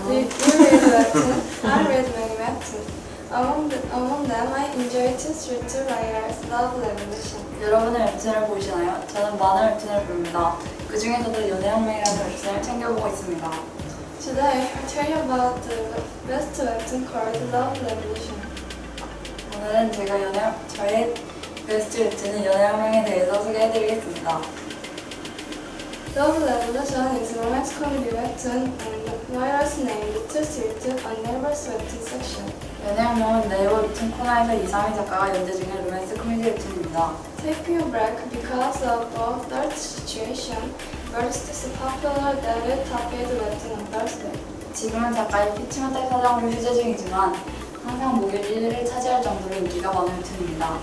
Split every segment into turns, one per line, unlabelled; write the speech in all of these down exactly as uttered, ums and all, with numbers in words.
Do you, you read webtoon? I read many webtoons. Among, the, among them, I enjoy Two Street Two Writers, Love Revolution.
여러분은 웹툰을 보시나요? 저는 많은 웹툰을 봅니다. 그 중에서도 연애혁명이라는 웹툰을 챙겨보고 있습니다.
Today, I'll tell you about the best webtoon called Love Revolution.
오늘은 제가 연애, 저의 베스트 웹툰은 연애혁명에 대해서 소개해드리겠습니다.
Love Revolution is a romance comedy webtoon and writers named Two Street Two on Naver's webtoon section.
연애혁명은 네이버 웹툰 코너에서 이상희 작가가 연재 중인 로맨스 코미디 웹툰입니다.
Taking a break because of a third situation, Burst is popular daily top-eight webtoon on Thursday.
지금은 작가의 피치먼탈 사정으로 휴재 중이지만 항상 목요일 일 위를 차지할 정도로 인기가 많은 웹툰입니다.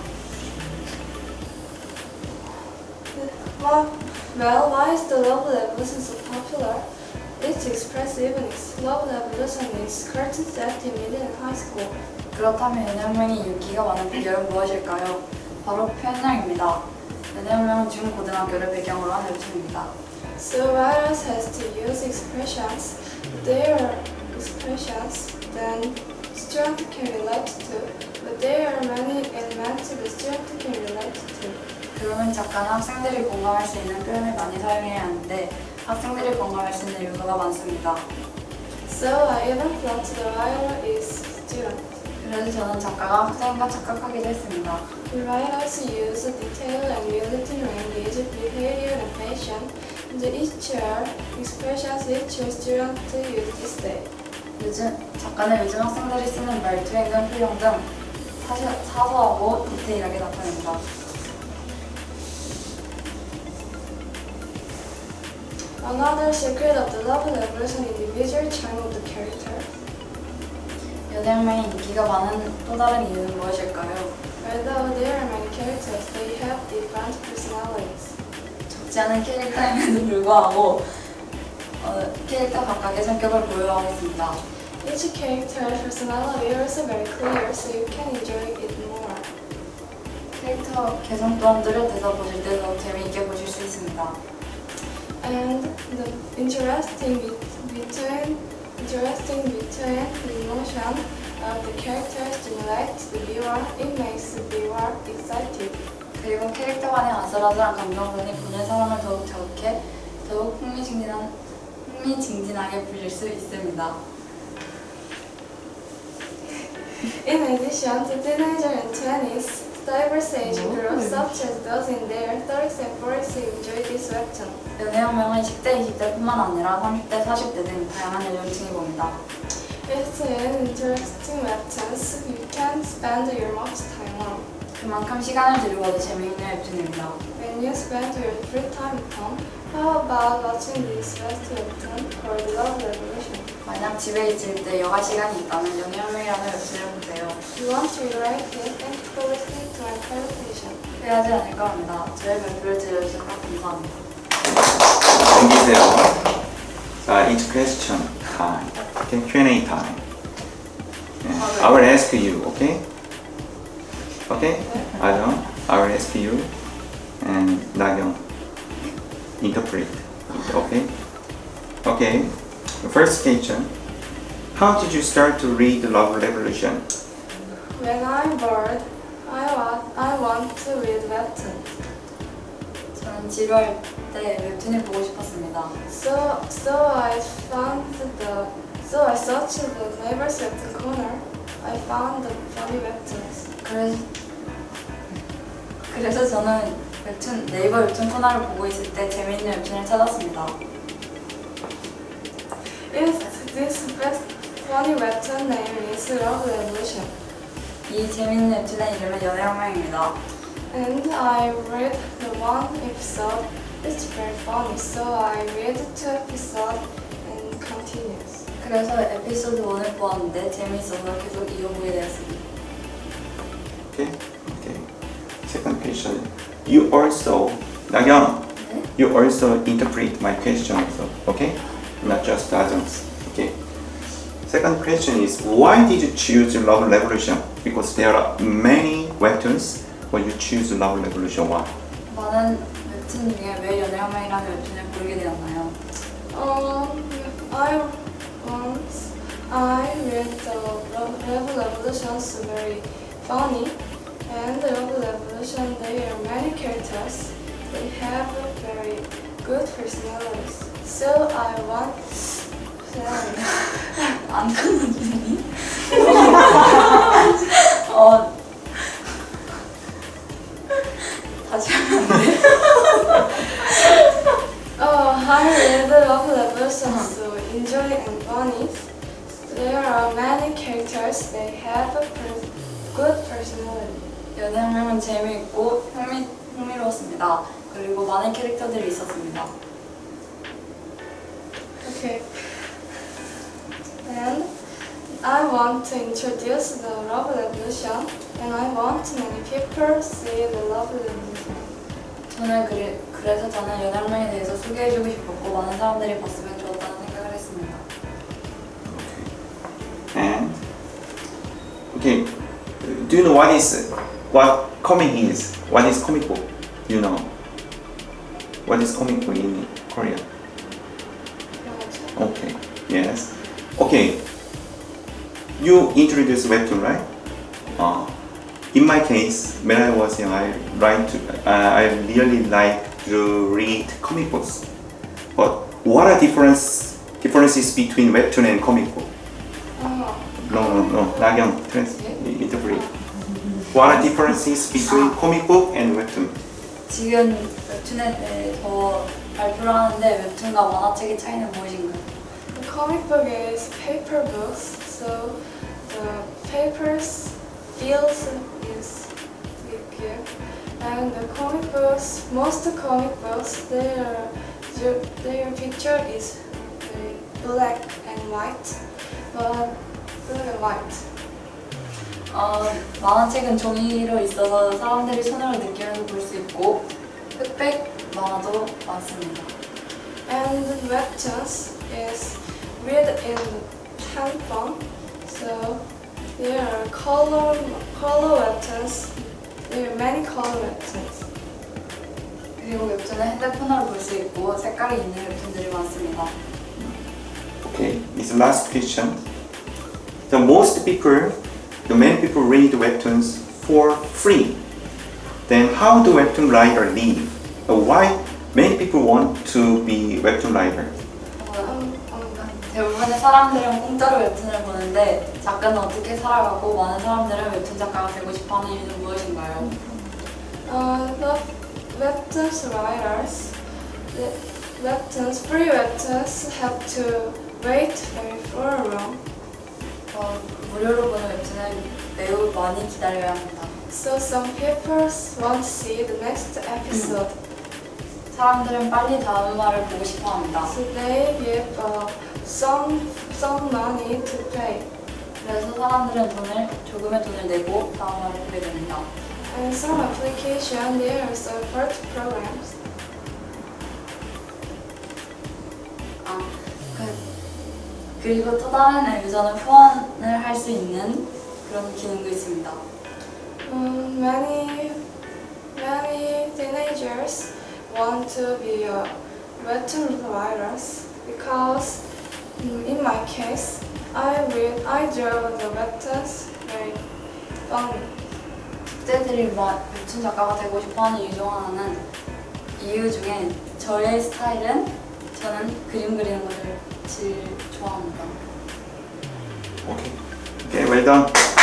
Well, well, why is the Love Revolution so popular? It's express evenings. Love Revolution is curtain set in middle and high school.
그렇다면 연애혁명이 인기가 많은 비결은 무엇일까요? 바로 표현력입니다. 연애혁명은 중고등학교를 배경으로 한 웹툰입니다.
So writers has to use expressions, their expressions, then student can relate to, but there are many elements the student can relate to.
그러면 작가는 학생들이 공감할 수 있는 표현을 많이 사용해야 하는데 학생들이 공감할 수 있는 요소가 많습니다.
So I even thought the writer is student.
그래서 저는 작가가 학생인가 착각하기도 했습니다.
The writers use detail and reality to engage behavior and passion. The each year expressions each year student use this day.
요즘 작가는 요즘 학생들이 쓰는 말투, 행동, 표정 등 사실, 사소하고 디테일하게 나타냅니다.
Another secret of the Love Revolution is the visual charm of the character.
연애혁명의 인기가 많은 또 다른 이유는 무엇일까요?
Although there are many characters, they have different personalities.
적지 않은 캐릭터임에도 불구하고 어, 캐릭터 각각의 성격을 보여하고 있습니다.
Each character's personality is also very clear, so you can enjoy it more.
캐릭터 개성 또한 뚜렷해서 보실 때 더 재미있게 보실 수 있습니다.
And the interesting be- between interesting between the emotion of the characters stimulates the viewer. It makes the viewer excited.
그리고 캐릭터 간의 아슬아슬한 감정선이 보는 사람을 더욱 자극해 더욱 흥미진진한, 흥미진진하게 보실 수 있습니다.
In addition to teenager and twenties, diverse age groups such as those in their thirties and forties enjoy this webtoon.
연애혁명은 십 대, 이십 대뿐만 아니라 삼십 대, 사십 대 등 다양한 연령층이 봅니다.
It's an interesting webtoons you can spend your most time on.
그만큼 시간을 들이고도 재미있는 웹툰입니다.
When you spend your free time at home, how about watching this best webtoon called Love Revolution?
만약 집에 있을 때 여가 시간이 있다면 연애혁명이라는 웹툰을 보세요.
You want to rewrite it? Thank you for listening to my presentation.
후회하지 않을까 합니다. 저의 발표를 들려주셔서 감사합니다.
넘기세요. 자, each question time. Okay, Q and A time. Yeah. I will ask you, okay? Okay? 아정, I will ask you and 나경 interpret. Okay? Okay. The first question. How did you start to read the Love Revolution?
When I'm bored, I want, I want to read webtoon.
저는 지루할 때 웹툰을 보고 싶었습니다.
So, so I found the, so I searched the neighbor's webtoon corner. I found the funny webtoons.
그래서, 그래서 저는 웹툰, 네이버 웹툰 코너를 보고 있을 때 재미있는 웹툰을 찾았습니다.
Yes, this best funny webtoon name is Love Revolution.
이 재미있는 웹툰의 이름은 연애혁명입니다.
And I read the one episode. It's very funny, so I read two episodes and continues.
그래서 에피소드 일을 보았는데 재미있어서 계속 이어보게 되었습니다.
Okay? Okay. Second question. You also, 나경,
네?
you also interpret my question also, okay? Not just Ajang's, okay? Second question is, why did you choose Love Revolution? Because there are many webtoons, but you choose Love Revolution. Why?
많은 웹툰 중에 왜 연애혁명이라는 웹툰을 고르게 되었나요?
Um, I once Revolutions very funny, and Love Revolution there are many characters. They have very good personalities. So I want. Sorry.
안 끊어지니? 어 다시 하면 안 돼?
Oh, I read the Love Revolution, so enjoy and funny. There are many characters. They have a per- good personality.
연애혁명은 재미있고 흥미, 흥미로웠습니다. 그리고 많은 캐릭터들이 있었습니다.
Okay. And I want to introduce the Love Revolution, and I want many people see the Love Revolution.
저는 그래, 그래서 저는 연애혁명에 대해서 소개해주고 싶었고 많은 사람들이 봤으면 좋았다는 생각을 했습니다.
And okay, do you know what is what comic is? What is comic book? Do you know? What is comic book in Korea? Okay, yes. Okay, you introduced webtoon, right? Uh, in my case, when I was young, I like to, uh, I really like to read comic books. But what are difference differences between webtoon and comic book?
Oh,
No, no, no. 나경, trans, interpret. What are differences between comic book and webtoon?
지금 웹툰에 대해 더 발표를 하는데 웹툰과 만화책의 차이는 무엇인가요?
the comic book is paper books, so the papers feels is bigger, and the comic books, most comic books, their their picture is very black and white, but black and white.
어, 만화책은 종이로 있어서 사람들이 손으로 느끼면서 볼 수 있고 흑백 만화도 많습니다.
And the webtoons is read in pen form, so there are color color webtoons. There are many color webtoons.
그리고 웹툰은 핸드폰으로 볼 수 있고 색깔이 있는 웹툰들이 많습니다.
Okay, it's the last question. The most people, the many people read webtoons for free. Then how do webtoon writer live? Uh, why many people want to be webtoon writer?
어,
Um, um,
대부분의 사람들은 공짜로 웹툰을 보는데 작가는 어떻게 살아가고 많은 사람들은 웹툰 작가가 되고 싶어하는 이유는 무엇인가요?
uh, the webtoons writers, the webtoons, free webtoons have to wait very for long.
어, 무료로 보는 웹툰은 매우 많이 기다려야 합니다.
So some people want to see the next episode.
사람들은 빨리 다음 화를 보고 싶어합니다.
So they give uh, some some money to pay.
그래서 사람들은 돈을 조금의 돈을 내고 다음 화를 보게 됩니다.
And some application there are support programs.
아, 그, 그리고 또 다른 유저는 후원을 할 수 있는 그런 기능도 있습니다.
Um, many many teenagers want to be a webtoon writers because um, in my case I read I draw the webtoons very funny.
학생들이 막 웹툰 작가가 되고 싶어하는 이유 중 하나는 이유 중에 저의 스타일은 저는 그림 그리는 것을 제일 좋아합니다.
Okay. Okay, well done.